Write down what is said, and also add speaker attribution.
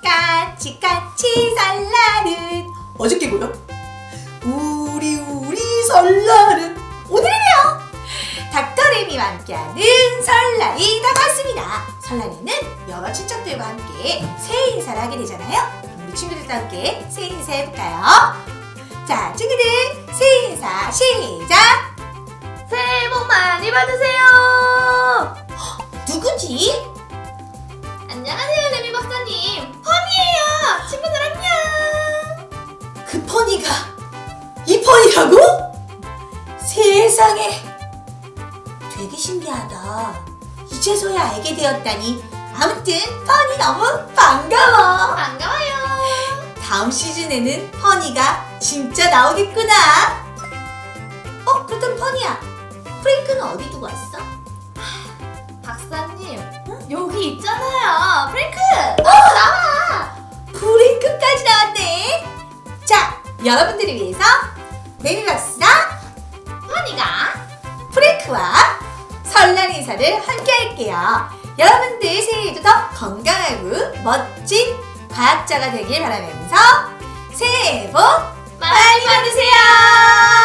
Speaker 1: 까치까치 설날은 어저께고요. 우리 설날은 오늘이네요. 닥터레미와 함께하는 설날이 다가왔습니다. 설날에는 여러 친척들과 함께 새해 인사를 하게 되잖아요. 우리 친구들과 함께 새해 인사 해볼까요? 자, 친구들 새해 인사 시작!
Speaker 2: 새해 복 많이 받으세요.
Speaker 1: 누구지?
Speaker 2: 안녕하세요, 레미 박사님. 펀이에요. 친구들 안녕.
Speaker 1: 그 펀이가 이 펀이라고? 세상에, 되게 신기하다. 이제서야 알게 되었다니. 아무튼 펀이 너무 반가워.
Speaker 2: 반가워요.
Speaker 1: 다음 시즌에는 펀이가 진짜 나오겠구나. 그렇다면 펀이야, 프랭크는 어디 두고 왔어?
Speaker 2: 박사님, 여기 있잖아요. 프랭크. 나와.
Speaker 1: 프랭크까지 나왔네. 자, 여러분들을 위해서 레미박스가
Speaker 2: 펀이가
Speaker 1: 프랭크와 설날 인사를 함께 할게요. 여러분들 새해에도 더 건강하고 멋진 과학자가 되길 바라면서 새해 복
Speaker 2: 많이 받으세요.